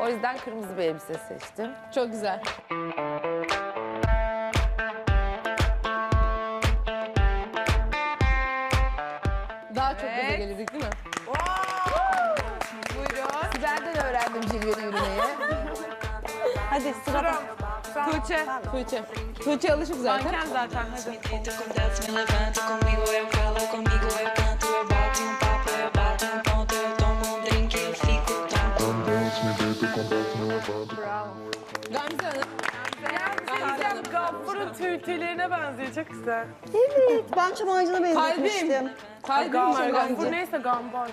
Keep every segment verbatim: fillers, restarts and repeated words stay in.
O yüzden kırmızı bir elbise seçtim. Çok güzel. Daha çok gaza gelirdik değil mi? Buyurun. Sibel'den öğrendim cilveli yürümeyi. Hadi sırada. Tuğçe. Tuğçe. Tuğçe alışık zaten. Manken zaten hadi. Acontece, me levanto comigo, eu calo comigo, eu canto, eu bato um papo, eu bato um ponto, eu tomo um drink, eu fico tonto. Gamze Hanım. Gamze Hanım Gaffur'un tüytülerine benziyor. Çok güzel. Evet, ben çam ağacına benzetmiştim. Kalbim. Kalbim var Gaffur Gamze. neyse Gambar.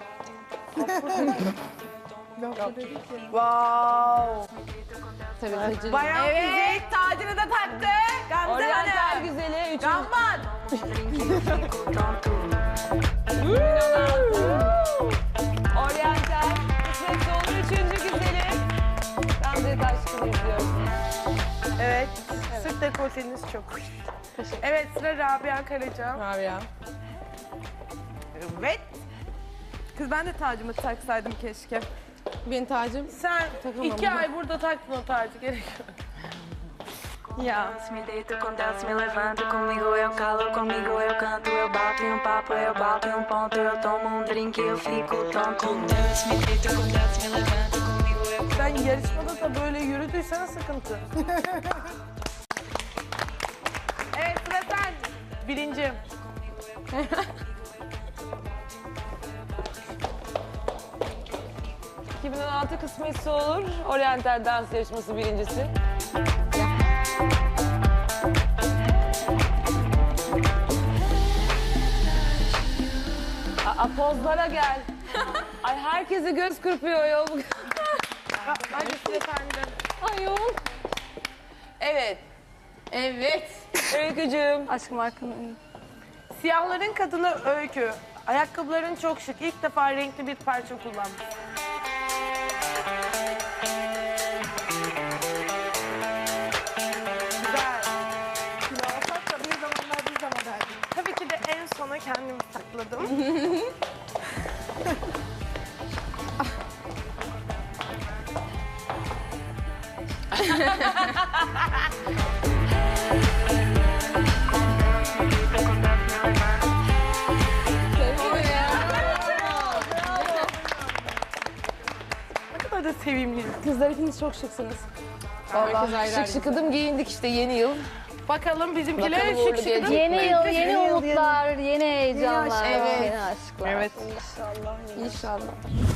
Wow. Tabii tabii. Bayağı fizik tacını da taktı. Gamze Oriental Hanım. güzeli. Üçüncü. Gambar. Oriental. Kısmet olur. Üçüncü güzeli. Gamze Taşkın'ı izliyoruz. Evet. Sırt dekolteniz çok. Evet sıra Rabia Karaca. Rabia. Evet. Kız ben de tacımı taksaydım keşke. Benim tacım. Sen Takamam iki ama. ay burada taktın o tacı gerek yok. Ya. Me deito com Deus, me levanto comigo, eu calo comigo, eu canto, eu bato um papo, eu bato um ponto, eu tomo um drink, eu fico tonto. Com Deus, me deito com Deus, me levanto comigo, eu Sen yarışmada da böyle yürüdüysen sıkıntı. Evet sıra sen. Birinci. iki bin on altı kısmetse olur. Oriental dans yarışması birincisi. Aa, pozlara gel. Ay herkese göz kırpıyor ya. Hadi sıra sende. Ayol. Evet. Evet. Öykücüğüm. Aşkım arkanın. Siyahların kadını Öykü. Ayakkabıların çok şık. İlk defa renkli bir parça kullanmış. Güzel. Alsak da bir zamanlar bir zaman derdim. Tabii ki de en sona kendimi sakladım. Ne kadar da sevimliyim. Kızlar hepiniz çok şıksınız. Herkes Vallahi ayrı şık ayrı. şıkıdım giyindik işte yeni yıl. Bakalım bizimkiler Bakalım uğurlu şık şık. gelecek. Yeni yıl, Yeni yeni yıl, umutlar, yeni heyecanlar, Evet. yeni aşklar. Evet. İnşallah.